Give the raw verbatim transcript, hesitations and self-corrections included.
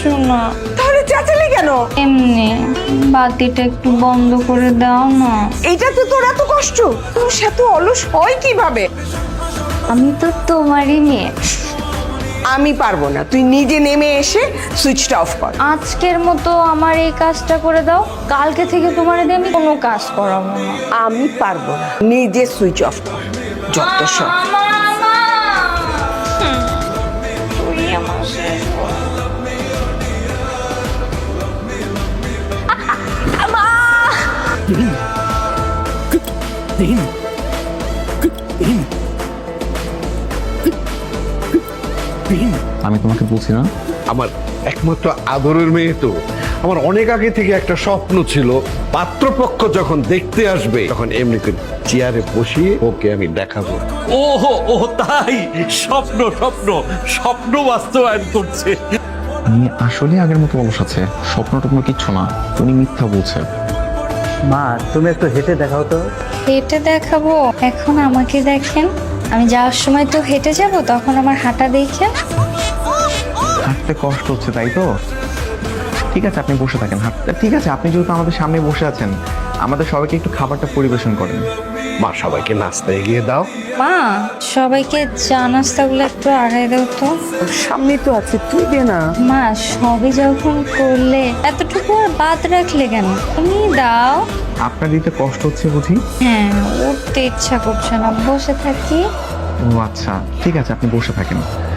কিছু না। তাহলে চেঁচালি কেন? এমনি বাতিটা একটু বন্ধ করে দাও না। এইটা তো তোর এত কষ্ট, তোর সাথে অলস হয় কিভাবে? আমি তো তোমারই মেয়ে। আমি পারবো না, তুই নিজে নেমে এসে সুইচটা অফ কর। আজকের মতো আমার এই কাজটা করে দাও, কালকে থেকে তোমার দিয়ে আমি কোনো কাজ করাবো না। আমি পারবো না, নিজে সুইচ অফ কর। যত সব তুই আমার শেষ বল। আমি তোমাকে বলছি না, আমার একমাত্র আদরের মেয়ে তো। আমার অনেক আগে থেকে একটা স্বপ্ন ছিল, পাত্রপক্ষ যখন দেখতে আসবে তখন এমনি করে চেয়ারে বসিয়ে ওকে আমি দেখাবো। ওহো ও তাই, স্বপ্ন স্বপ্ন স্বপ্ন বাস্তবায়ন করছে। উনি আসলে আগের মতো অলস আছে, স্বপ্ন টপ্ন কিচ্ছু না, উনি মিথ্যা বলছে। মা তুমি একটু হেঁটে দেখাও তো। হেঁটে দেখাবো? এখন আমাকে দেখেন, আমি যাওয়ার সময় তো হেঁটে যাব, তখন আমার হাঁটা দেখেন। হাঁটতে কষ্ট হচ্ছে তাই তো? ঠিক আছে আপনি বসে থাকেন, হাঁটতে ঠিক আছে। আপনি যেহেতু আমাদের সামনে বসে আছেন, আমাদের সবাইকে একটু খাবারটা পরিবেশন করেন। মা সবাইকে নাস্তা এগিয়ে দাও। মা সবাইকে চা নাস্তাগুলো একটু আগায় দাও তো। তোর সামনে তো আছে, তুই দে না। মা সবই যখন করলে এতটুকু আর বাদ রাখলে কেন, তুমি দাও। আপনার দিতে কষ্ট হচ্ছে বুঝি? হ্যাঁ, উঠতে ইচ্ছা করছে না, বসে থাকি। ও আচ্ছা ঠিক আছে, আপনি বসে থাকেন।